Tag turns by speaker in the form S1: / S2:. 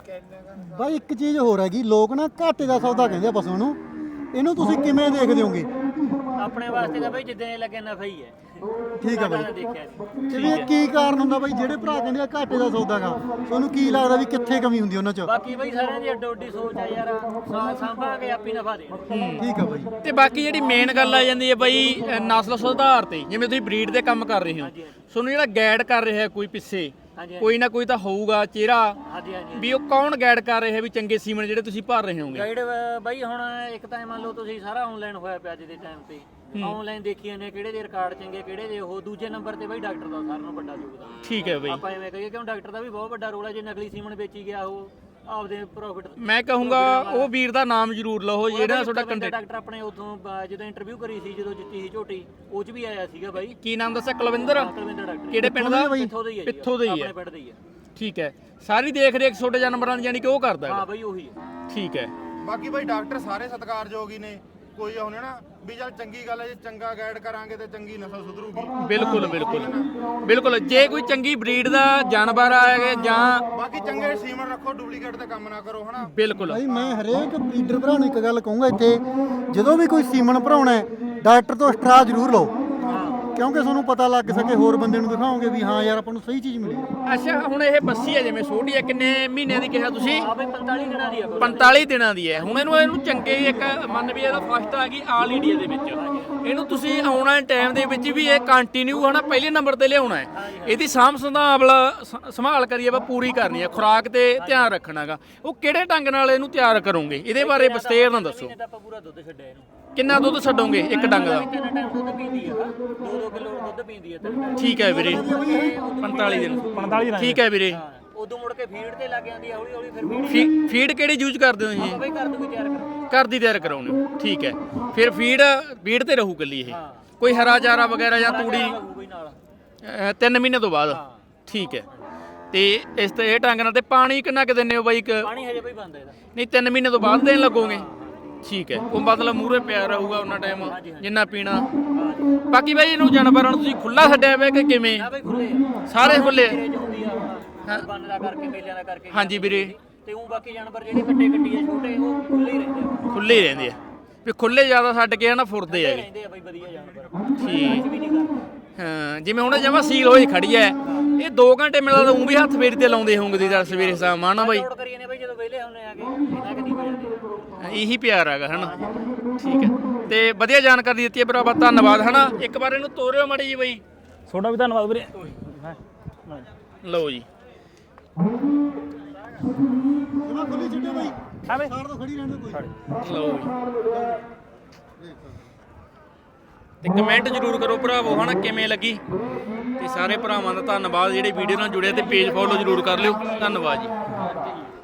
S1: ਬਾਈ ਇੱਕ ਚੀਜ਼ ਹੋਰ ਹੈਗੀ, ਲੋਕ ਨਾ ਘਾਟੇ ਦਾ ਸੌਦਾ ਕਹਿੰਦੇ ਆ ਪਸ਼ੂ ਨੂੰ, ਇਹਨੂੰ ਤੁਸੀਂ ਕਿਵੇਂ ਦੇਖਦੇ ਹੋਗੇ?
S2: ਆਪਣੇ ਵਾਸਤੇ ਤਾਂ ਬਾਈ ਜਿੱਦਾਂ ਇਹ ਲੱਗੇ ਨਫਾ ਹੀ ਹੈ।
S1: ਠੀਕ ਹੈ ਬਾਈ,
S2: ਦੇਖਿਆ ਜੀ।
S1: ਜਿਵੇਂ ਕੀ ਕਾਰਨ ਹੁੰਦਾ ਬਾਈ ਜਿਹੜੇ ਭਰਾ ਕਹਿੰਦੇ ਆ ਘਾਟੇ ਦਾ ਸੌਦਾ ਗਾ, ਤੁਹਾਨੂੰ ਕੀ ਲੱਗਦਾ ਵੀ ਕਿੱਥੇ ਕਮੀ ਹੁੰਦੀ ਉਹਨਾਂ 'ਚ?
S2: ਬਾਕੀ ਬਾਈ ਸਾਰਿਆਂ ਦੀ ਅੱਡੋ ਅੱਡੀ ਸੋਚ ਆ ਯਾਰ, ਸਾਂਭਾਂਗੇ ਆਪੀ ਨਫਾ ਦੇ।
S1: ਠੀਕ ਆ ਬਾਈ।
S3: ਤੇ ਬਾਕੀ ਜਿਹੜੀ ਮੇਨ ਗੱਲ ਆ ਜਾਂਦੀ ਹੈ ਬਾਈ ਨਸਲ ਸੁਧਾਰ ਤੇ, ਜਿਵੇਂ ਤੁਸੀਂ ਬਰੀਡ ਦੇ ਕੰਮ ਕਰ ਰਹੇ ਹੋ, ਤੁਹਾਨੂੰ ਜਿਹੜਾ ਗਾਈਡ ਕਰ ਰਿਹਾ ਕੋਈ ਪਿੱਛੇ ਕੋਈ ਨਾ ਕੋਈ ਤਾਂ ਹੋਊਗਾ ਚਿਹਰਾ, ਵੀ ਉਹ ਕੌਣ ਗਾਈਡ ਕਰ ਰਿਹਾ ਵੀ ਚੰਗੇ ਸੀਮਨ ਜਿਹੜੇ ਤੁਸੀਂ ਭਰ ਰਹੇ ਹੋਗੇ?
S2: ਗਾਈਡ ਬਾਈ ਹੁਣ ਇੱਕ ਤਾਂ ਮੰਨ ਲਓ ਤੁਸੀਂ ਸਾਰਾ ਆਨਲਾਈਨ ਹੋਇਆ ਪਿਆ ਅੱਜ ਦੇ ਟਾਈਮ ਤੇ, ਆਨਲਾਈਨ ਦੇਖੀ ਨੇ ਕਿਹੜੇ ਦੇ ਰਿਕਾਰਡ ਚੰਗੇ ਕਿਹੜੇ ਦੇ ਉਹ। ਦੂਜੇ ਨੰਬਰ ਤੇ ਬਾਈ ਡਾਕਟਰ ਦਾ ਸਾਰਿਆਂ ਨੂੰ ਵੱਡਾ ਯੋਗਦਾਨ।
S3: ਠੀਕ ਹੈ ਬਾਈ,
S2: ਆਪਾਂ ਐਵੇਂ ਕਹੀਏ ਕਿਉਂ ਡਾਕਟਰ ਦਾ ਵੀ ਬਹੁਤ ਵੱਡਾ ਰੋਲ ਹੈ। ਜੇ ਨਕਲੀ ਸੀਮਨ ਵੇਚੀ ਗਿਆ ਉਹ ਆਪਦੇ ਪ੍ਰੋਫਿਟ।
S3: ਮੈਂ ਕਹੂੰਗਾ ਉਹ ਵੀਰ ਦਾ ਨਾਮ ਜ਼ਰੂਰ ਲਓ ਜਿਹੜਾ ਤੁਹਾਡਾ ਕੰਟੈਕਟ।
S2: ਡਾਕਟਰ ਆਪਣੇ ਉਦੋਂ ਜਦੋਂ ਇੰਟਰਵਿਊ ਕਰੀ ਸੀ, ਜਦੋਂ ਜਿੱਤੀ ਸੀ ਝੋਟੀ, ਉਹ 'ਚ ਵੀ ਆਇਆ ਸੀਗਾ ਬਾਈ।
S3: ਕੀ ਨਾਮ ਦੱਸਿਆ? ਕੁਲਵਿੰਦਰ
S2: ਡਾਕਟਰ
S3: ਕਿਹੜੇ ਪਿੰਡ ਦਾ?
S2: ਪਿੱਥੋਂ ਦਾ ਹੀ ਹੈ।
S3: ਪਿੱਥੋਂ ਦਾ ਹੀ ਹੈ।
S2: ਆਪਣੇ ਪਿੰਡ ਦਾ ਹੀ ਹੈ।
S3: ਠੀਕ ਹੈ, ਸਾਰੀ ਦੇਖ ਰੇਖ ਛੋਟੇ ਜਾਨਵਰਾਂ ਦੀ ਯਾਨੀ ਕਿ ਉਹ ਕਰਦਾ
S2: ਹਾਂ
S3: ਹੈ।
S2: ਬਾਈ ਉਹੀ ਹੈ।
S3: ਠੀਕ ਹੈ।
S4: ਬਾਕੀ ਬਾਈ ਡਾਕਟਰ ਸਾਰੇ ਸਤਿਕਾਰਯੋਗ ਹੀ ਨੇ, ਕੋਈ ਉਹਨੇ ਨਾ ਵੀ ਚੱਲ ਚੰਗੀ ਗੱਲ ਹੈ, ਜੇ ਚੰਗਾ ਗਾਈਡ ਕਰਾਂਗੇ ਤੇ ਚੰਗੀ ਨਸਲ ਸੁਧਰੂਗੀ।
S3: ਬਿਲਕੁਲ ਬਿਲਕੁਲ ਬਿਲਕੁਲ। ਜੇ ਕੋਈ ਚੰਗੀ ਬਰੀਡ ਦਾ ਜਾਨਵਰ ਆਏਗਾ ਜਾਂ
S4: ਬਾਕੀ ਚੰਗੇ ਸੀਮਨ ਰੱਖੋ, ਡੁਪਲੀਕੇਟ ਤੇ ਕੰਮ ਨਾ ਕਰੋ, ਹਨਾ।
S3: ਬਿਲਕੁਲ
S1: ਬਾਈ ਮੈਂ ਹਰੇਕ ਬਰੀਡਰ ਭਰਾ ਨੂੰ ਇੱਕ ਗੱਲ ਕਹੂੰਗਾ, ਇੱਥੇ ਜਦੋਂ ਵੀ ਕੋਈ ਸੀਮਨ ਭਰਾਉਣਾ ਹੈ ਡਾਕਟਰ ਤੋਂ ਸਟਰਾ ਜ਼ਰੂਰ ਲਓ, ਕਿਉਂਕਿ ਤੁਹਾਨੂੰ ਪਤਾ ਲੱਗ ਸਕੇ ਹੋਰ ਬੰਦੇ ਨੂੰ ਦਿਖਾਓਗੇ ਵੀ ਹਾਂ ਯਾਰ ਆਪਾਂ ਨੂੰ ਸਹੀ ਚੀਜ਼ ਮਿਲੀ ਹੈ।
S3: ਅੱਛਾ, ਹੁਣ ਇਹ ਬੱਸੀ ਹੈ ਜਿਵੇਂ ਛੋਟੀ ਹੈ, ਕਿੰਨੇ ਮਹੀਨਿਆਂ ਦੀ ਕਿਹਾ ਤੁਸੀਂ?
S2: ਆ ਬਾਈ 45 ਦਿਨਾਂ ਦੀ ਆ।
S3: 45 ਦਿਨਾਂ ਦੀ ਹੈ। ਹੁਣ ਇਹਨੂੰ ਚੰਗੇ ਇੱਕ ਮੰਨ ਵੀ ਇਹਦਾ ਫਸਟ ਆ ਗਈ ਆਲ ਇੰਡੀਆ ਦੇ ਵਿੱਚ, ਇਹਨੂੰ ਤੁਸੀਂ ਆਉਣਾ ਟਾਈਮ ਦੇ ਵਿੱਚ ਵੀ ਇਹ ਕੰਟੀਨਿਊ ਹਨਾ ਪਹਿਲੇ ਨੰਬਰ ਤੇ ਲਿਆਉਣਾ ਹੈ। ਇਹਦੀ ਸਾਂਭ ਸੰਭਾਲ ਕਰੀਏ ਵਾ ਪੂਰੀ ਕਰਨੀ ਹੈ, ਖੁਰਾਕ ਤੇ ਧਿਆਨ ਰੱਖਣਾਗਾ। ਉਹ ਕਿਹੜੇ ਢੰਗ ਨਾਲ ਇਹਨੂੰ ਤਿਆਰ ਕਰੋਗੇ ਇਹਦੇ ਬਾਰੇ ਵਿਸਤੇਰ ਨਾਲ ਦੱਸੋ।
S2: ਆਪਾਂ ਪੂਰਾ ਦੁੱਧ ਛੱਡਿਆ ਇਹਨੂੰ।
S3: ਕਿੰਨਾ ਦੁੱਧ ਛੱਡੋਗੇ ਇੱਕ ਡੰਗ ਦਾ?
S2: 3 ਟਾਈਮ ਦੁੱਧ ਪੀਂਦੀ ਆ, 2-2 ਕਿਲੋ ਦੁੱਧ ਪੀਂਦੀ ਆ।
S3: ਠੀਕ ਹੈ ਵੀਰੇ, 45 ਦਿਨ। 45 ਦਿਨ ਠੀਕ ਹੈ ਵੀਰੇ।
S2: ਉਦੋਂ ਮੁੜ ਕੇ ਫੀਡ ਤੇ ਲੱਗ ਜਾਂਦੀ ਆ ਹੌਲੀ ਹੌਲੀ। ਫਿਰ
S3: ਫੀਡ ਕਿਹੜੀ ਯੂਜ਼ ਕਰਦੇ ਹੋ ਜੀ?
S2: ਬਾਈ ਘਰ ਤੋਂ ਤਿਆਰ ਕਰੋ।
S3: ਘਰ ਦੀ ਤਿਆਰ ਕਰਾਉਣੇ ਹੋ, ਠੀਕ ਹੈ। ਫਿਰ ਫੀਡ ਤੇ ਰਹੂ ਕੱਲੀ ਇਹ, ਕੋਈ ਹਰਾ ਚਾਰਾ ਵਗੈਰਾ ਜਾਂ ਤੂੜੀ? 3 ਮਹੀਨੇ ਤੋਂ ਬਾਅਦ। ਠੀਕ ਹੈ। ਤੇ ਇਸ ਤੇ ਇਹ ਢੰਗ ਨਾਲ ਤੇ ਪਾਣੀ ਕਿੰਨਾ ਕੁ ਦਿੰਦੇ ਹੋ ਬਾਈ?
S2: ਪਾਣੀ ਹਜੇ ਬਾਈ ਬੰਦ ਇਹਦਾ।
S3: ਨਹੀਂ 3 ਮਹੀਨੇ ਤੋਂ ਬਾਅਦ ਦੇਣ ਲੱਗੋਗੇ? ਠੀਕ ਹੈ। ਉਹ ਮਤਲਬ ਮੂਹਰੇ ਪਿਆ ਰਹੂਗਾ ਉਹਨਾਂ ਟਾਈਮ ਜਿੰਨਾ ਪੀਣਾ। ਬਾਕੀ ਬਾਈ ਇਹਨੂੰ ਜਾਨਵਰਾਂ ਨੂੰ ਤੁਸੀਂ ਖੁੱਲਾ ਛੱਡਿਆ ਹੋਇਆ ਕਿ ਕਿਵੇਂ?
S2: ਬਾਈ ਖੁੱਲੇ ਆ
S3: ਸਾਰੇ ਖੁੱਲੇ?
S2: ਬੰਨ ਦਾ ਕਰਕੇ ਮੇਲਿਆਂ ਦਾ ਕਰਕੇ।
S3: ਹਾਂਜੀ ਵੀਰੇ।
S2: ਤੇ ਉਹ ਬਾਕੀ ਜਾਨਵਰ ਜਿਹੜੇ ਕੱਟੀ ਆ ਛੋਟੇ ਉਹ ਖੁੱਲੇ ਹੀ ਰਹਿੰਦੇ ਆ।
S3: ਖੁੱਲੇ ਹੀ ਰਹਿੰਦੇ ਆ ਵੀ ਖੁੱਲੇ ਜ਼ਿਆਦਾ ਛੱਡ ਕੇ ਨਾ ਫੁਰਦੇ ਹੈਗੇ।
S2: ਰਹਿੰਦੇ ਆ ਬਾਈ ਵਧੀਆ ਜਾਨਵਰ।
S3: ਠੀਕ।
S2: ਵੀ ਨਹੀਂ ਕਰਦੇ।
S3: ਹਾਂ, ਜਿਵੇਂ ਹੁਣ ਜਮਾ ਸੀਲ ਹੋਈ ਖੜੀ ਐ, ਇਹ 2 ਘੰਟੇ ਮਿਲਦਾ ਤਾਂ ਉਹ ਵੀ ਹੱਥ ਫੇਰੀ ਤੇ ਲਾਉਂਦੇ ਹੋਣਗੇ ਦੀ ਦੱਸ ਸਵੇਰੇ ਸ਼ਾਮ ਆਣਾ ਬਾਈ?
S2: ਲੋਡ ਕਰੀਏ ਨੇ ਬਾਈ ਜਦੋਂ ਵਿਹਲੇ ਹੁੰਨੇ ਆਗੇ ਇਹਨਾਂ ਕਦੀ ਹੋ ਜਾਂਦੇ।
S3: ਇਹੀ ਪਿਆਰ ਹੈਗਾ ਹਨਾ। ਠੀਕ ਹੈ। ਤੇ ਵਧੀਆ ਜਾਣਕਾਰੀ ਦਿੱਤੀ ਹੈ ਭਰਾਵਾ, ਧੰਨਵਾਦ ਹਨਾ। ਇੱਕ ਵਾਰ ਇਹਨੂੰ ਤੋਰਿਓ ਮਾੜੀ ਜੀ ਬਾਈ।
S2: ਤੁਹਾਡਾ ਵੀ ਧੰਨਵਾਦ ਵੀਰੇ।
S3: ਲਓ ਜੀ।
S1: ਜਮਾ ਖੁੱਲੀ ਛੱਡਿਓ ਬਾਈ,
S2: ਹਾਂ ਬਈ
S1: ਸਾਰ ਤੋਂ ਖੜੀ ਰਹਿਣ ਦਿਓ ਕੋਈ।
S3: ਲਓ ਜੀ। ਤੇ ਕਮੈਂਟ ਜ਼ਰੂਰ ਕਰੋ ਭਰਾਵੋ ਹਨਾ ਕਿਵੇਂ ਲੱਗੀ। ਤੇ ਸਾਰੇ ਭਰਾਵਾਂ ਦਾ ਧੰਨਵਾਦ ਜਿਹੜੇ ਵੀਡੀਓ ਨਾਲ ਜੁੜੇ ਤੇ ਪੇਜ ਫੋਲੋ ਜ਼ਰੂਰ ਕਰ ਲਿਓ। ਧੰਨਵਾਦ ਜੀ।